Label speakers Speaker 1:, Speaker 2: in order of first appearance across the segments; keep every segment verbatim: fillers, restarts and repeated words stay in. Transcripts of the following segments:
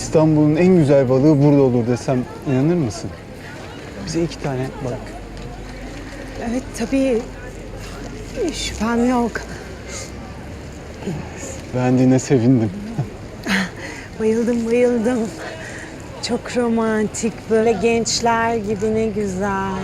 Speaker 1: İstanbul'un en güzel balığı burada olur desem inanır mısın? Bize iki tane balık.
Speaker 2: Evet tabii. Şüphem yok.
Speaker 1: Beğendiğine sevindim.
Speaker 2: Bayıldım bayıldım. Çok romantik, böyle gençler gibi, ne güzel.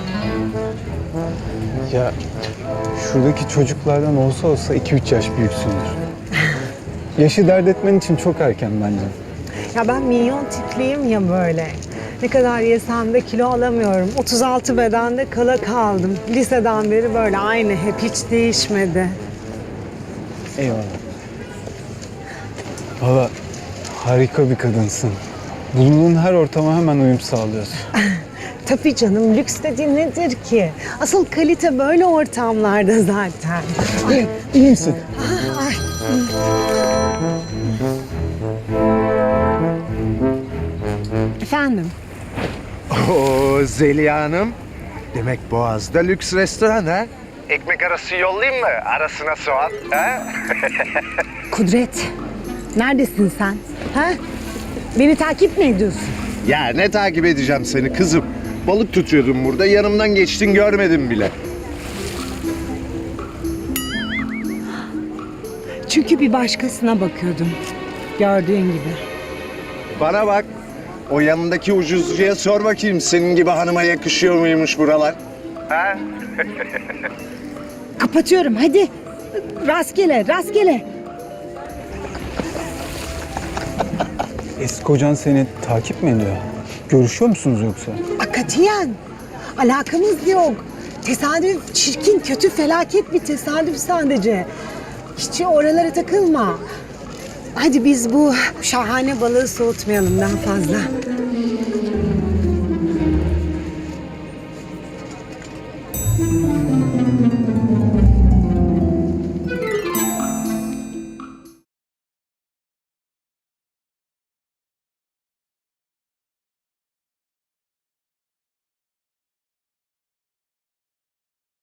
Speaker 1: Ya şuradaki çocuklardan olsa olsa iki üç yaş büyüksündür. Yaşı dert etmen için çok erken bence.
Speaker 2: Ya ben minyon tipliyim ya böyle. Ne kadar yesem de kilo alamıyorum. otuz altı bedende kala kaldım. Liseden beri böyle aynı, hep hiç değişmedi.
Speaker 1: Eyvallah. Valla harika bir kadınsın. Bulunduğun her ortama hemen uyum sağlıyorsun.
Speaker 2: Tabii canım, lüks dediğin nedir ki? Asıl kalite böyle ortamlarda zaten.
Speaker 1: İyi, iyi misin?
Speaker 2: Efendim?
Speaker 3: Oo Zeliha Hanım. Demek Boğaz'da lüks restoran ha? Ekmek arası yollayayım mı? Arasına soğan. Ha?
Speaker 2: Kudret, neredesin sen? Ha? Beni takip mi ediyorsun?
Speaker 3: Ya ne takip edeceğim seni kızım? Balık tutuyordum burada. Yanımdan geçtin görmedim bile.
Speaker 2: Çünkü bir başkasına bakıyordum. Gördüğün gibi.
Speaker 3: Bana bak. O yanındaki ucuzcuya sor bakayım senin gibi hanıma yakışıyor muymuş buralar? Ha?
Speaker 2: Kapatıyorum, hadi. Rastgele, rastgele.
Speaker 1: Eski kocan seni takip mi ediyor? Görüşüyor musunuz yoksa?
Speaker 2: Akatiyen. Alakamız yok. Tesadüf, çirkin, kötü, felaket bir tesadüf sadece. Hiç oralara takılma. Hadi biz bu şahane balığı soğutmayalım daha fazla.